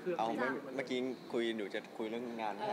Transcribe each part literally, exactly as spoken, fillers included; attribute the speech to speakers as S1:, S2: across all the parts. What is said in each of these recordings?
S1: เครื่อง
S2: เอาเมื่อกี้คุยหนูจะคุยเรื่องงาน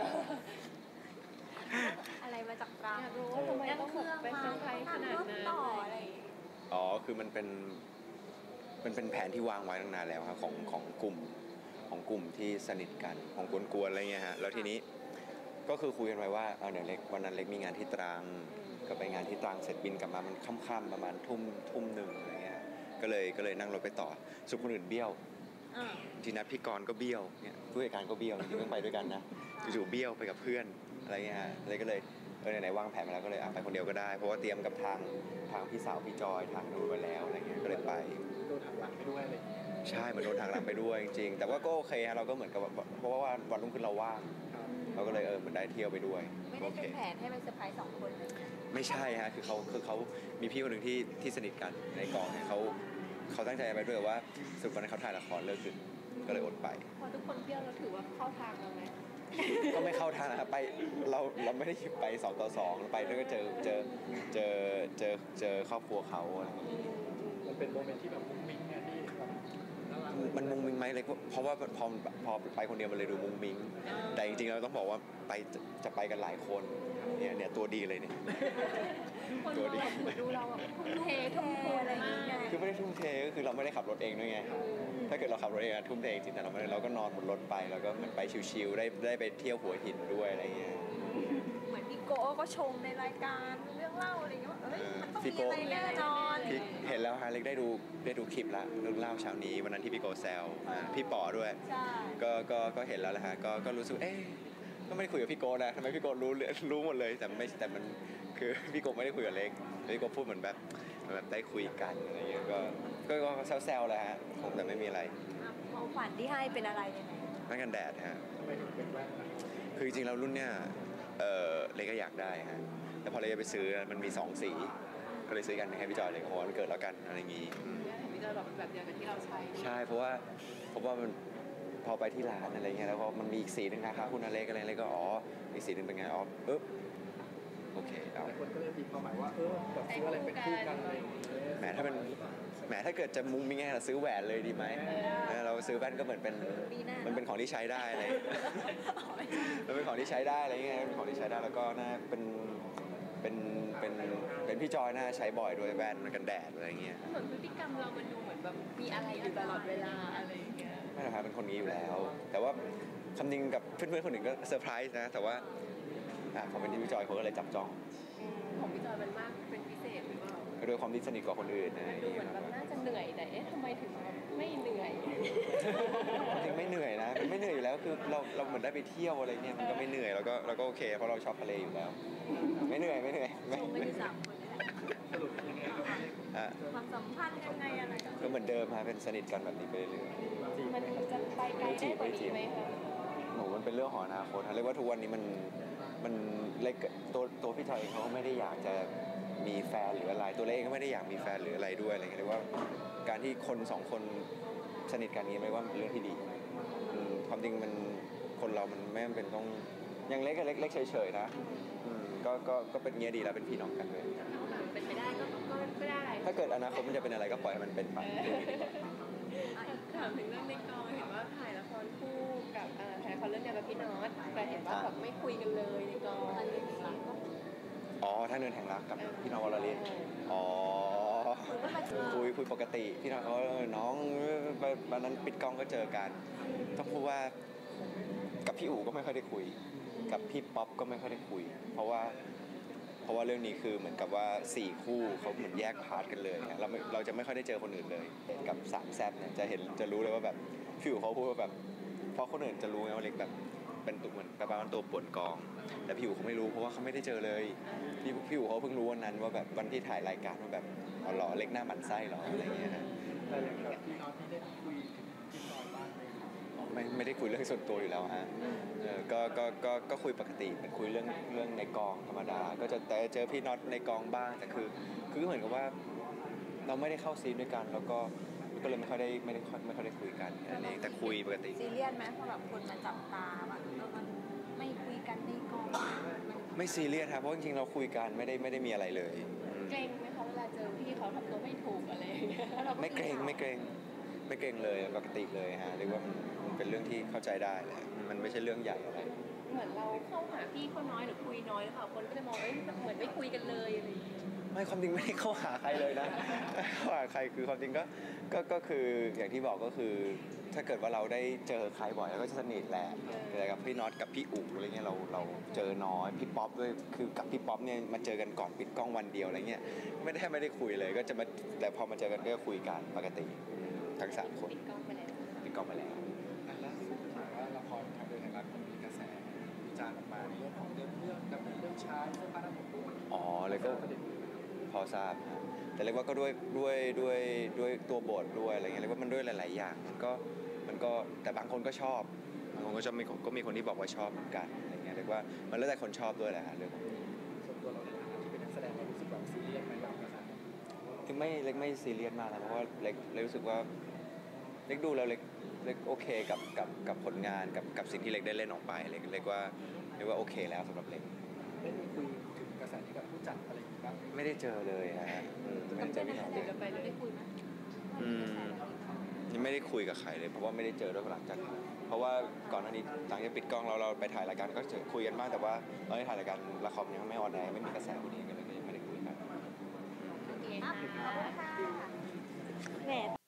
S3: อะไรมาจากตรัง
S4: อยากรู้ว่าทำไมต้องเป็นเซอร์ไพรส์ขนาดนั้นต่ออะไร
S2: อ๋อคือมันเป็นมันเป็นแผนที่วางไว้ตั้งนานแล้วครับของของกลุ่มของกลุ่มที่สนิทกันของกวนๆอะไรเงี้ยฮะแล้วทีนี้ก็คือคุยกันไว้ว่าเออเดี๋ยวเล็กวันนั้นเล็กมีงานที่ตรังก็ไปงานที่ตรังเสร็จบินกลับมามันค่ำๆประมาณทุ่มทุ่มหนึ่งอะไรเงี้ยก็เลยก็เลยนั่งรถไปต่อสุขคนอื่นเบี้ยวทีนัดพี่กรณ์ก็เบี้ยวเนี่ยผู้จัดการก็เบี้ยวจริงๆต้องไปด้วยกันนะจู่ๆเบี้ยวไปกับเพื่อนอะไรเงี้ยฮะเลยก็เลยเออไหนๆวางแผนมาแล้วก็เลยไปคนเดียวก็ได้เพราะว่าเตรียมกับทางทางพี่สาวพี่จอยทางนู้นไปแล้วอะไรเงี้ยก็เลยไป
S1: โดนหักหลังไปด้วยอะไร
S2: ใช่เหมือนโดนทางหลังไปด้วยจริงๆแต่ว่าก็โอเคฮะเราก็เหมือนกับเพราะว่าวันรุ่งขึ้นเราว่างเราก็เลยเออเหมือนได้เที่ยวไปด้วย
S3: ไม่ได้เป็นแผนให้เป็นเซอร์ไพรส์สองคนเลย
S2: ไม่ใช่ฮะคือเขาคือเขามีพี่คนหนึ่งที่ที่สนิทกันในกองเนี่ยเขาเขาตั้งใจไปด้วยว่าสุดวันนั้นเขาถ่ายละครเลิกดึกก็เลยอดไป
S4: พอทุกคนเที่ยวเราถือว่าเข้าทางเราไหม
S2: ก็ไม่เข้าทางนะครับไปเราเราไม่ได้ไปสองต่อสองไปแล้วก็เจอเจอเจอเจอเจอครอบครัวเขาอะไรอย่างนี้
S1: มันเป็นโมเมนต์ที่แบบมุ้งมิ้งไงที่แบบ
S2: มันมุ้งมิ้งไหมเลยเพราะว่าพอพอไปคนเดียวมันเลยดูมุ้งมิ้งแต่จริงๆเราต้องบอกว่าไปจะไปกันหลายคนเนี่ยเนี่ยตัวดีเลยเนี่ย
S4: ตัวดีดูเราแบบทุ่มเททุ่มเทอะไรอย่างเงี้ย
S2: คือไม่ได้ทุ่มเทก็คือเราไม่ได้ขับรถเองด้วยไงถ้าเกิดเราขับรถเองทุ่มเทจริงแต่เราไม่ได้เราก็นอนบนรถไปแล้วก็เหมือนไปชิลๆได้ได้ไปเที่ยวหัวหินด้วยอะไรเงี้ย
S3: เหมือนพี่โก้ก็ชมในรายการเรื่องเล่าอะไรเงี้ยว่าเอ้ยมันต้องมีอะไรแน่นอน
S2: เห็นแล้วฮะเล็กได้ดูได้ดูคลิปละเรื่องเล่าเช้านี้วันนั้นที่พี่โก้แซวพี่ป๋อด้วยก็ก็ก็เห็นแล้วแหละฮะก็ก็รู้สึกเอ๊ะก็ไม่ได้คุยกับพี่โก้นะทำไมพี่โก้รู้รู้หมดเลยแต่ไม่แต่มันคือพี่โก้ไม่ได้คุยกับเล็กพี่โก้พูดเหมือนแบบแบบได้คุยกันอะไรเงี้ยก็ก็ก็แซวๆแหละฮะคงแต่ไม่มีอะไร
S3: ของขวัญที่ให้เป็นอะไรยังไง
S2: แว่นกันแดดฮะ
S1: ทำไมถึงเป็นแว่น
S2: คือจริงๆเรารุ่นเนี้ยเออเล็กก็อยากได้ฮะแต่พอเล็กไปซื้อมันมีสองสีก็เลยซื้อกันให้พี่จอยเลยเพราะว่ามันเกิดแล้วกันอะไรอย่างงี้
S4: พี่จอยบอกเป็นแบบเดียวกับที่เราใช้
S2: ใช่เพราะว่าเพราะว่ามันพอไปที่ร้านอะไรเงี้ยแล้วพอมันมีอีกสีนึงนะคะคุณอเล็กอะไรเล็กก็อ๋ออีกสีนึงเป็นไงอ๋อปึ๊บโอเคเอา
S1: คนก็เลยตีความหมายว่าเออแบบซื้ออะไรเป็นคู่กันอะไร
S2: แหมถ้าเป็นแหมถ้าเกิดจะมุ้งมิ้งไงเราซื้อแหวนเลยดีไหมเราซื้อแว่นก็เหมือนเป็นมันเป็นของที่ใช้ได้อะไรมันเป็นของที่ใช้ได้อะไรเงี้ยเป็นของที่ใช้ได้แล้วก็น่าเป็นเป็นเป็นเป็นพี่จอยน่าใช้บ่อยด้วยแว่นกันแดดอะไรเงี้ย
S4: เหมือนพฤติกรรมเรามันดูเหมือนแบบมีอะไรอยู่ตลอดเวลาอะไรเงี้ย
S2: ไม่นะครับเป็นคนนี้อยู่แล้วแต่ว่าคำนึงกับเพื่อนๆคนหนึ่งก็เซอร์ไพรส์นะแต่ว่าอ่าพอเป็นที่พี่จอยเขาก็เลยจับจ้อง
S4: ของพี่จอยมันมากเป็นพิเศษหรือเปล่า
S2: โดยความที่สนิทกว่าคนอื่นนะ
S4: ดูเหมือนแบบน่าจะเหนื่อยแต่เอ๊ะทำไมถึงแบบไม่เหนื่อย
S2: จริงไม่เหนื่อยนะมันไม่เหนื่อยอยู่แล้วคือเราเราเหมือนได้ไปเที่ยวอะไรเงี้ยมันก็ไม่เหนื่อยแล้วก็เราก็โอเคเพราะเราชอบทะเลอยู่แล้วไม่เหนื่อยไม่เหนื่อย
S3: ไม่ไม่ได้สามคน
S1: สรุปยังไง
S3: ความสัมพันธ์ยังไงอะไร
S2: ก็เหมือนเดิมฮะเป็นสนิทกันแบบนี้ไปเรื่อย
S4: ๆมันจะไปไกลได้กว่านี้ไหมคะ
S2: หนูมันเป็นเรื่องของอนาคตเรียกว่าทุกวันนี้มันมันเล็กตัวตัวพี่จอยเองเขาก็ไม่ได้อยากจะมีแฟนหรืออะไรตัวเล็กก็ไม่ได้อยากมีแฟนหรืออะไรด้วยอะไรเงี้ยเรียกว่าการที่คนสองคนสนิทกันนี้ไม่ว่าเป็นเรื่องที่ดีความจริงมันคนเรามันไม่จำเป็นต้องยังเล็กก็เล็กเล็กเฉยๆนะก็ก็ก็เป็นเงี้ยดีแล้วเป็นพี่น้องกันเลย
S4: เป็นไปได้ก็ก็ได้
S2: ถ้าเกิดอนาคตมันจะเป็นอะไรก็ปล่อยให้มันเป็นไป
S4: ถามถึงเรื่องในกองเห็นว่าถ่ายละครคู่กับถ่ายละครเรื่องเดียวกับพี่น็อตแต่เห็นว่าแบบไม่คุยกันเลยในกอง
S2: อ๋อถ้าเนินแห่งรักกับพี่น้องวรลินอ๋อคุยคุยปกติพี่น้องเขาน้องวันนั้นปิดกล้องก็เจอกันต้องพูดว่ากับพี่อู๋ก็ไม่ค่อยได้คุยกับพี่ป๊อปก็ไม่ค่อยได้คุยเพราะว่าเพราะว่าเรื่องนี้คือเหมือนกับว่าสี่คู่เขาเหมือนแยกพาร์ทกันเลยเราเราจะไม่ค่อยได้เจอคนอื่นเลยกับสามแซ่บเนี่ยจะเห็นจะรู้เลยว่าแบบพี่อู๋เขาพูดว่าแบบเพราะคนอื่นจะรู้ไงว่าเล็กแบบเป็นตัวเหมือนประมาณตัวป่วนกองแต่พี่อู๋เขาไม่รู้เพราะว่าเขาไม่ได้เจอเลยพี่พี่อู๋เขาเพิ่งรู้วันนั้นว่าแบบวันที่ถ่ายรายการว่าแบบอ๋อหรอเล็กหน้าหมันไส้หรออะไรเงี้ยนะ
S1: แต่อย่างแบบพี่น้องที่ได้คุยพี่จอยบ้างไหม
S2: ไม่ไม่ได้คุยเรื่องส่วนตัวอยู่แล้วฮะเออก็ก็ก็ก็คุยปกติเป็นคุยเรื่องเรื่องในกองธรรมดาก็จะแต่เจอพี่น็อตในกองบ้างแต่คือคือเหมือนกับว่าเราไม่ได้เข้าซีนด้วยกันแล้วก็ก็เลยไม่ค่อยได้ไม่ได้ไม่ค่อยได้คุยกันนั่นเองแต่คุยปกติ
S3: ซีเรียสไหมเพราะแบบคนมาจับตาแบบมันไม่คุยกันในกอง
S2: ไม่ซีเรียสครับเพราะจริงๆเราคุยกันไม่ได้ไม่ได้มีอะไรเลย
S4: เกรงไหมคะเวลาเจอพี่เขาทำตัวไม่ถูกอะไรอย่างเงี้ย
S2: ไม่เกรงไม่เกรงไม่เก่งเลยปกติเลยฮะเรียกว่ามันมันเป็นเรื่องที่เข้าใจได้แหละมันไม่ใช่เรื่องใหญ่อะไร
S4: เหมือนเราเข้าหาพี่เขาน้อยหรือคุยน้อยหรือเปล่าคนก็จะมองเอ้ยเหมือนไม่คุยกันเลยอะไรอย่างเงี้ย
S2: ไม่ความจริงไม่ได้เข้าหาใครเลยนะ ไม่เข้าหาใครคือความจริงก็ก็ก็คืออย่างที่บอกก็คือ ถ้าเกิดว่าเราได้เจอใครบ่อยแล้วก็จะสนิทแหละแต่กับพี่น็อตกับพี่อุ๋อะไรเงี้ยเราเราเจอน้อยพี่ป๊อปด้วยคือกับพี่ป๊อปเนี่ยมาเจอกันก่อนปิดกล้องวันเดียวอะไรเงี้ยไม่ได้ไม่ได้คุยเลยก็จะมาแต่พอมาเจอกันก็คุยกันปกติทั้งสามคน
S4: ปิดกล้องไปแล้ว
S2: ปิดกล้องไปแล้ว
S1: อันล่าสุดถามว่าละครทางเดินแห่งรักมันมีกระแสวิจารณ์ออกมาในเรื่องของเรื่องเรื่องดำเนินเรื่องช้าเสื้อผ้าหน้าผมด้วย
S2: อ๋อเลยก็
S1: ประเด็นนี้
S2: พอทราบฮะแต่เรียกว่าก็ด้วยด้วยด้วยด้วยตัวบทด้วยอะไรเงี้ยเรียกว่ามันด้วยหลาย ๆ อย่างมันก็มันก็แต่บางคนก็ชอบบางคนก็ชอบมีก็มีคนที่บอกว่าชอบเหมือนกันอะไรเงี้ยเรียกว่ามันแล้วแต่คนชอบด้วยแหละฮะเรื่องของ
S1: ส่วนตัวเราในฐานะที่เป็นนักแสดงเรารู้สึกแบบซีเรียสไหมกับกระแส
S2: คือไม่เล็กไม่ซีเรียสมากนะเพราะว่าเล็กเล็กรู้สึกว่าเล็กดูแล้วเล็กเล็กโอเคกับกับกับผลงานกับกับสิ่งที่เล็กได้เล่นออกไปเล็กเล็กว่าเรียกว่าโอเคแล้วสำหรับเล็ก
S1: ได้มีคุยถึงกระแสนี้กับผู้จัดอะไรอย่างนี้บ้างไหม
S2: ไม่ได้เจอเลยฮะอืมไม่ได้เจอพี่น้องเล
S4: เดี๋ย
S2: ยว
S4: จะไปแล้วได้คุยไหม
S2: อืมยังไม่ได้คุยกับใครเลยเพราะว่าไม่ได้เจอด้วยหลังจากเพราะว่าก่อนหน้านี้หลังจากปิดกล้องเราเราไปถ่ายรายการก็เจอคุยกันบ้างแต่ว่าตอนที่ถ่ายรายการละครยังไม่ออนแอร์ไม่มีกระแสพอดีกันเลยก็ยังไม่ได้คุยกัน
S4: โอเค
S3: อ่ะ
S4: ค่ะ
S3: ขอบคุณค่ะแหม